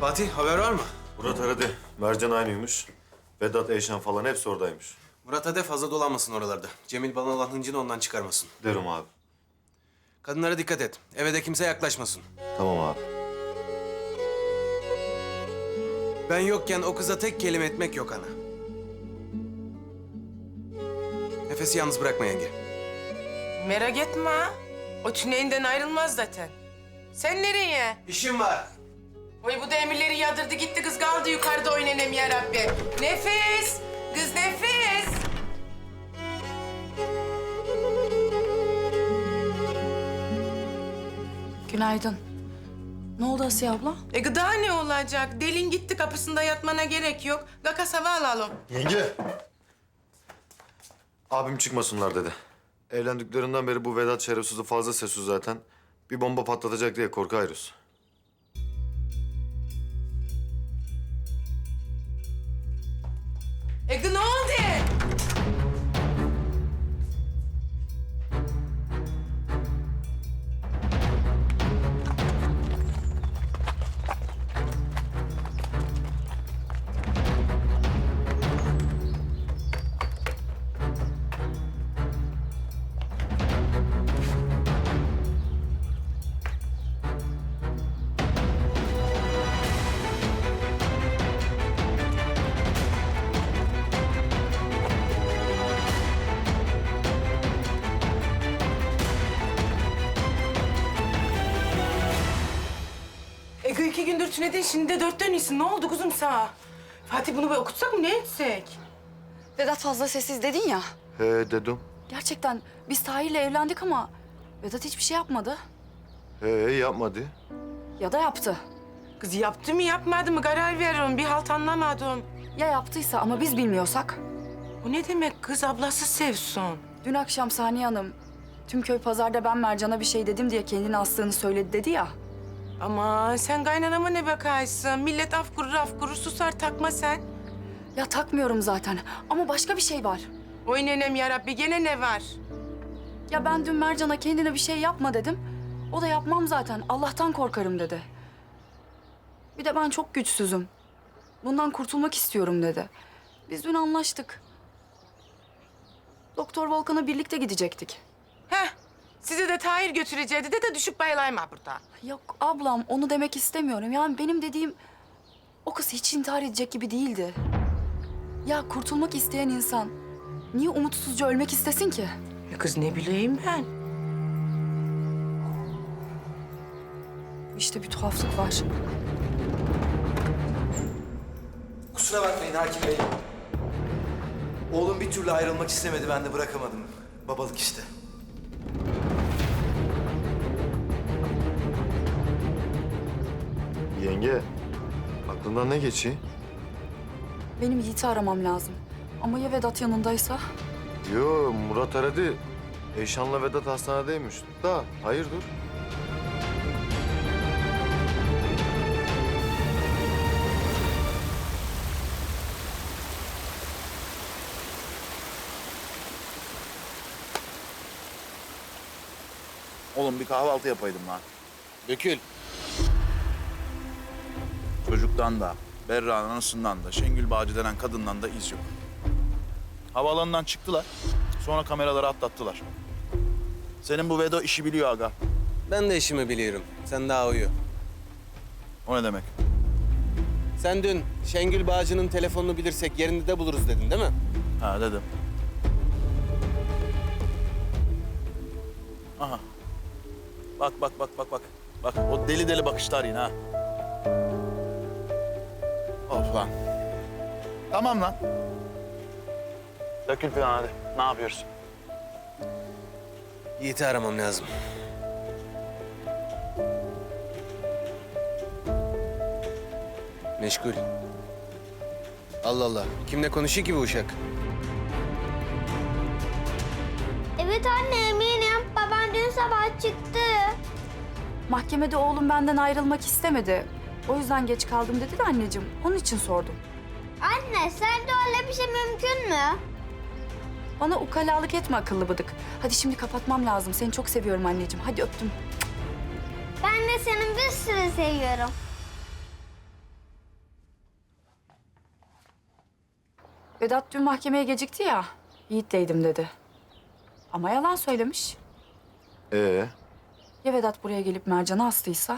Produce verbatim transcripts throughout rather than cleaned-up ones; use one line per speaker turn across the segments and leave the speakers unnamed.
Fatih, haber var mı?
Murat aradı. Mercan aynıymış. Vedat, Eyşan falan hepsi oradaymış.
Murat hadi fazla dolanmasın oralarda. Cemil bana olan hıncını ondan çıkarmasın.
Derim abi.
Kadınlara dikkat et. Eve de kimse yaklaşmasın.
Tamam abi.
Ben yokken o kıza tek kelime etmek yok ana. Nefesi yalnız bırakma yenge.
Merak etme ha. O tüneyinden ayrılmaz zaten. Sen nereye?
İşim var.
Oy bu da emirleri yadırdı gitti kız kaldı yukarıda oynanem ya Rabbi. Nefes! Kız nefes!
Günaydın. Ne oldu Asiye abla?
E gıda ne olacak? Delin gitti kapısında yatmana gerek yok. Gakas hava alalım.
Yenge. Abim çıkmasınlar dedi. Evlendiklerinden beri bu Vedat şerefsizi fazla sessiz zaten. Bir bomba patlatacak diye korkuyoruz.
E gı ne oldu? E gı iki gündür tünedin şimdi de dört dönüyorsun. Ne oldu kuzum sana? Fatih bunu bir okutsak mı ne etsek?
Vedat fazla sessiz dedin ya.
He dedim.
Gerçekten biz Tahir'le evlendik ama Vedat hiçbir şey yapmadı.
He yapmadı.
Ya da yaptı.
Kız yaptı mı yapmadı mı karar veriyorum. Bir halt anlamadım.
Ya yaptıysa ama biz bilmiyorsak?
Bu ne demek kız ablası sevsun?
Dün akşam Saniye Hanım tüm köy pazarda ben Mercan'a bir şey dedim diye kendini astığını söyledi dedi ya.
Ama sen kaynanama ne bakarsın? Millet af kurur af kurur susar takma sen.
Ya takmıyorum zaten ama başka bir şey var.
Oy nenem yarabbi gene ne var?
Ya ben dün Mercan'a kendine bir şey yapma dedim. O da yapmam zaten Allah'tan korkarım dedi. Bir de ben çok güçsüzüm. Bundan kurtulmak istiyorum dedi. Biz dün anlaştık. Doktor Volkan'a birlikte gidecektik.
Heh sizi de Tahir götüreceğiydi de de düşüp bayılayma burada.
Yok ablam onu demek istemiyorum. Yani benim dediğim o kız hiç intihar edecek gibi değildi. Ya kurtulmak isteyen insan niye umutsuzca ölmek istesin ki?
E kız ne bileyim ben?
İşte bir tuhaflık var.
Kusura bakmayın Hakim Bey. Oğlum bir türlü ayrılmak istemedi, ben de bırakamadım. Babalık işte.
Yenge. Aklından ne geçiyor?
Benim Yiğit'i aramam lazım. Ama ya Vedat yanındaysa?
Yo Murat aradı. Eyşan'la Vedat hastanedeymiş. Da hayırdır?
Oğlum bir kahvaltı yapaydım lan.
Dökül.
Çocuktan da, Berra'nın anasından da, Şengül Bağcı denen kadından da iz yok. Havaalanından çıktılar. Sonra kameraları atlattılar. Senin bu Vedo işi biliyor aga.
Ben de işimi biliyorum. Sen daha uyu.
O ne demek?
Sen dün Şengül Bağcı'nın telefonunu bilirsek yerinde de buluruz dedin değil mi?
Ha dedim. Aha. Bak bak bak bak bak. Bak o deli deli bakışlar yine ha. Of lan. Tamam lan. Dökül falan hadi. Ne yapıyoruz?
Yiğit'i aramam lazım. Meşgul. Allah Allah. Kimle konuşuyor ki bu uşak?
Evet anne eminim. Baban dün sabah çıktı.
Mahkemede oğlum benden ayrılmak istemedi. O yüzden geç kaldım dedi de anneciğim. Onun için sordum.
Anne sence öyle bir şey mümkün mü?
Bana ukalalık etme akıllı bıdık. Hadi şimdi kapatmam lazım. Seni çok seviyorum anneciğim. Hadi öptüm.
Ben de seni bir sürü seviyorum.
Vedat dün mahkemeye gecikti ya. Yiğit'teydim dedi. Ama yalan söylemiş.
Ee,
Ya Vedat buraya gelip Mercan'ı astıysa?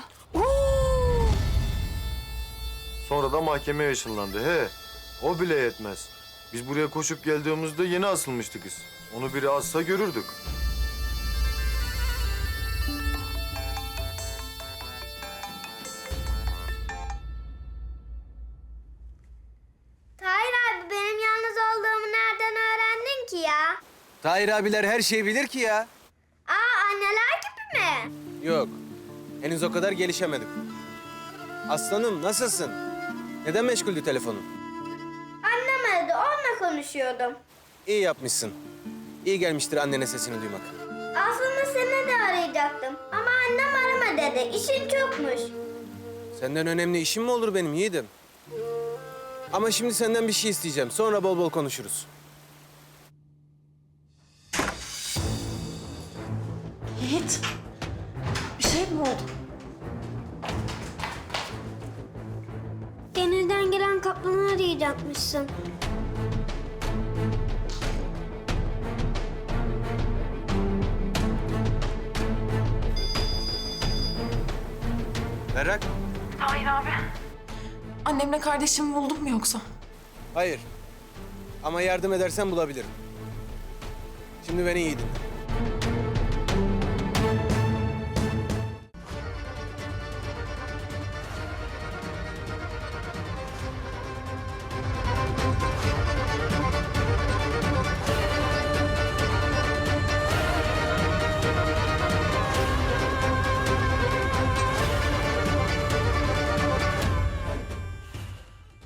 sonra da mahkemeye ışınlandı. He, o bile yetmez. Biz buraya koşup geldiğimizde yeni asılmıştı kız. Onu biri assa görürdük.
Tahir abi benim yalnız olduğumu nereden öğrendin ki ya?
Tahir abiler her şeyi bilir ki ya.
Aa anneler gibi mi?
Yok. Henüz o kadar gelişemedik. Aslanım nasılsın? Neden meşguldü telefonun?
Annem aradı onunla konuşuyordum.
İyi yapmışsın. İyi gelmiştir annene sesini duymak.
Aslında seni de arayacaktım ama annem arama dedi işin çokmuş.
Senden önemli işim mi olur benim yiğidim? Ama şimdi senden bir şey isteyeceğim. Sonra bol bol konuşuruz.
Yiğit, bir şey mi oldu?
Denizden gelen kaplanı arayacakmışsın.
Berrak?
Annemle kardeşimi buldun mu yoksa?
Hayır. Ama yardım edersen bulabilirim. Şimdi beni iyi dinle.